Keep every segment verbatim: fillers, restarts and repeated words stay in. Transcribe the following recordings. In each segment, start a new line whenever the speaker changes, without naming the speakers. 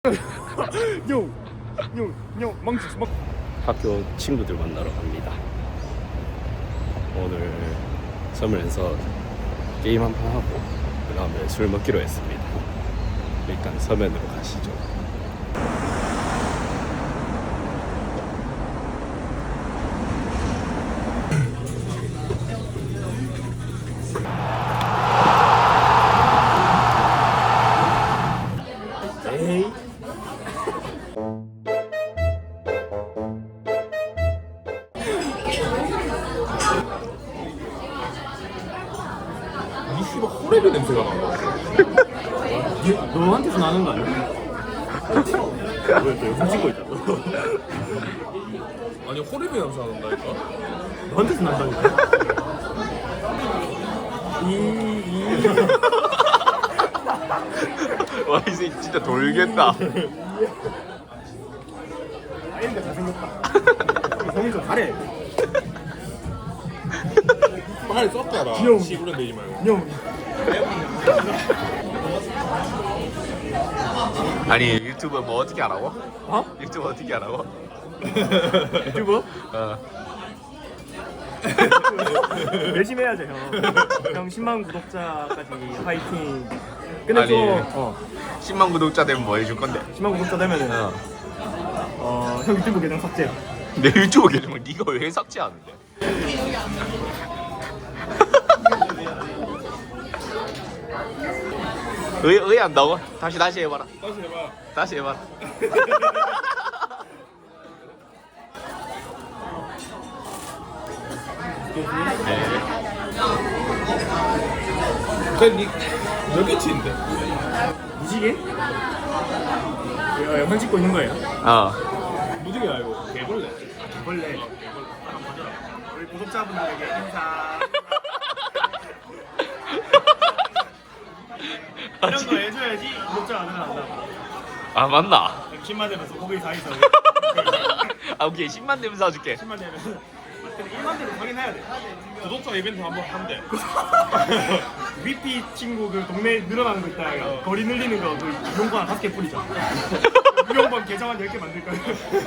요요요 망치 망.
학교 친구들 만나러 갑니다. 오늘 서면에서 게임 한 판 하고 그 다음에 술 먹기로 했습니다. 일단 서면으로 가시죠. 에이.
이 씨발 호레비 냄새가 나.
너한테서 나는 거 아니야?
왜또 영상 찍고 있다고? 아니 호레비 냄새 난다니까?
너한테서 난다니까? 이, 이. 와, 이 새끼 진짜 돌겠다.
아이가 잘생겼다. 성이 좀 잘해. 빨리 섞어라.
귀여워.
시부른 되지 말고.
형.
아니 유튜브 뭐 어떻게 하라고?
어?
유튜브 어떻게 하라고?
유튜브?
어.
열심히 해야죠, 형. 형 십만 구독자까지 화이팅. 근데
아니.
좀 어,
십만 구독자 되면 뭐 해줄 건데?
십만 구독자 되면은
어.
어, 형 유튜브 계정 삭제.
내 유튜브 계정을 네가 왜 삭제하는데? 의 의한다고? 다시 다시 해봐라.
다시 해봐.
다시 해봐라.
근데 몇 개치인데?
무지개? 어, 영상 찍고 있는 거예요?
어.
무지개 말고 개벌레.
원래 우리 구독자분들에게 인사. 이런 거 해줘야지 구독자가 늘어난다고.
아 맞나?
십만 되면서 고기 사이서
아 오케이 십만 되면 사줄게.
십만 되면 근데 일만 되면 확인해야 돼.
구독자 이벤트 한번 한대.
위피 친구 그 동네에 늘어나는 거 있다. 어. 거리 늘리는 거 그 이용권 한 다섯 개 뿌리자. 이용권 계정한 열 개 만들 거야.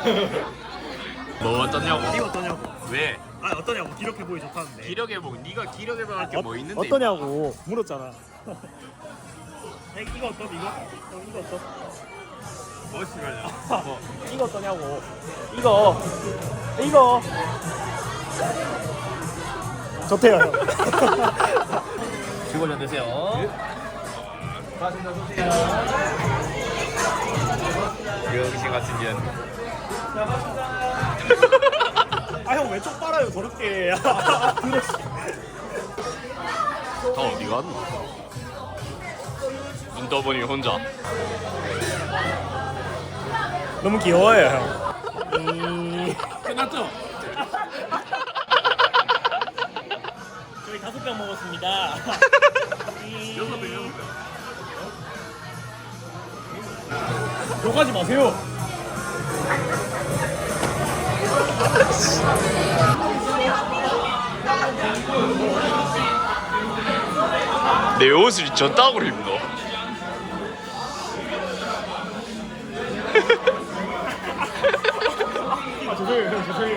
뭐 어떠냐고?
이거 어떠냐고?
왜?
아 어떠냐고? 기력해 보이 좋다는데.
기력 회복. 네가 기력 회복할 게 뭐 있는데?
어떠냐고 물었잖아. 이거 어떠? 이거? 어, 이거 어떠?
뭐 시간이야?
뭐. 이거 어떠냐고? 이거 이거 좋대요. 형. 즐거운 전 되세요.
병신 같은 년.
아 형 왜 쪽 빨아요 더럽게.
다 어디 갔노? 눈 떠보니 혼자.
너무 귀여워요 형. 음...
끝났죠?
저희 다섯 병 먹었습니다.
여섯 배 여섯 배.
욕하지 마세요.
내 옷을 저따구로 입노.
아 죄송해요 형 죄송해요.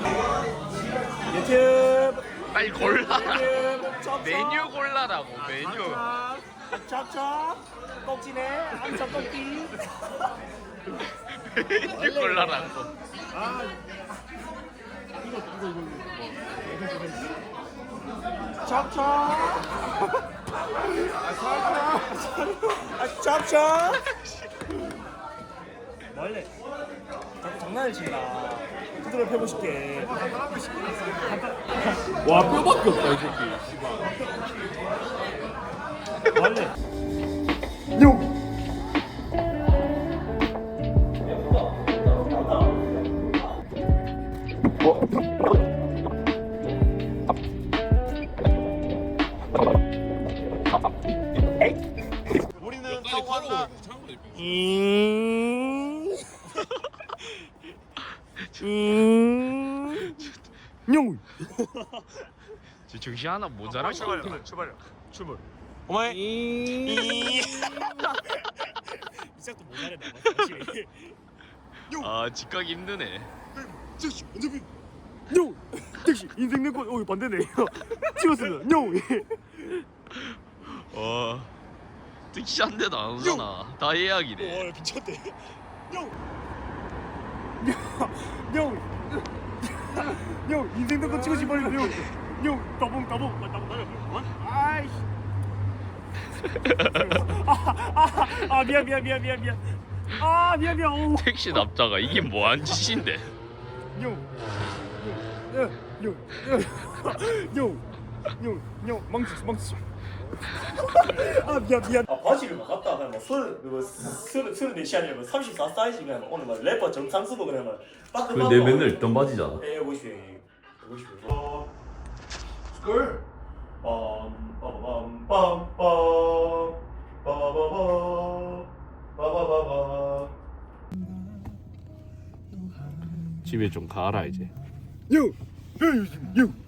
유튜브
빨리 골라라.
유튜브 쩝쩝.
메뉴 골라라고 메뉴.
찹찹 꺽지네 암찹 꺽기.
메뉴 골라라고.
아 이거 이거 이거 이거 찹찹 아 찹찹 원래 자꾸 장난을 친다. 두드려 패고 싶게.
와 뼈밖에 없다 이 새끼. 씨발.
원래 용 우리는 타고 왔다. 음. 음. 용.
저 정신 하나 모자라.
출발 출발 출발.
어머니. 시작도 못 잘했나 봐 확실히.
아 직각 힘드네.
즉시 언제비 뇨 즉시 인생 내거 어 반대네. 찍었습니다. 뇨.
와 특시 한 대도 안 오잖아. 다 예약이래.
와 미쳤대. 뇨. 뇨. 뇨 인생 내거 찍으시 빨리 뇨. 뇨 따봉 따봉 따봉 따봉. 아이씨. 아, 아 미안 미안 미안 미안 미안. 아 미안 미안. 오.
택시 납자가 이게 뭐한 짓인데?
뇨. 뇨. 뇨. 뇨. 뇨. 뇨. 망치 망치. 아 미안 미안. 아 바지를 막 갖다 그냥 막 서른 뭐 서른 서른 네 시간이면 뭐 삼십사 사이즈 그냥 막 오늘 막 래퍼 정상수도 그냥 막 빠꾸 빠꾸.
내 맨날 입던 바지잖아.
에 오십오 오십오. 어. 스쿨. 빰 빠바밤 빰빰 빠바바바 빠바바바.
집에 좀 가라 이제.
요. 요. 요.